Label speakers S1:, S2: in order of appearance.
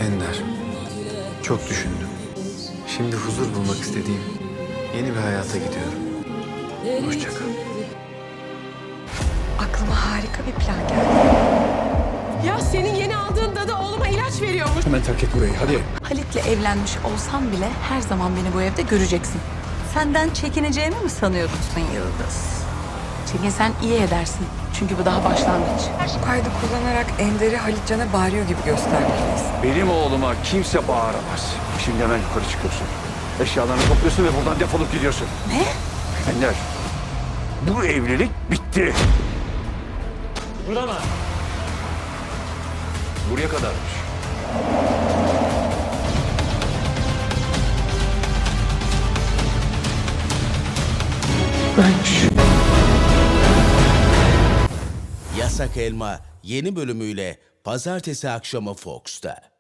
S1: Ender, çok düşündüm. Şimdi huzur bulmak istediğim yeni bir hayata gidiyorum. Hoşça kal.
S2: Aklıma harika bir plan geldi.
S3: Ya senin yeni aldığın dadı oğluma ilaç veriyormuş.
S4: Hemen terk et burayı, hadi.
S2: Halit'le evlenmiş olsam bile her zaman beni bu evde göreceksin. Senden çekineceğimi mi sanıyorsun Yıldız? Çekinsen iyi edersin. Çünkü bu daha başlangıç.
S5: Bu kaydı kullanarak Ender'i Halitcan'a bağırıyor gibi göstermeliyiz.
S4: Benim oğluma kimse bağıramaz. Şimdi hemen yukarı çıkıyorsun. Eşyalarını topluyorsun ve buradan defolup gidiyorsun.
S2: Ne?
S4: Ender, bu evlilik bitti.
S6: Kıpırdama.
S4: Buraya kadarmış.
S7: Yasak Elma yeni bölümüyle pazartesi akşamı Fox'ta.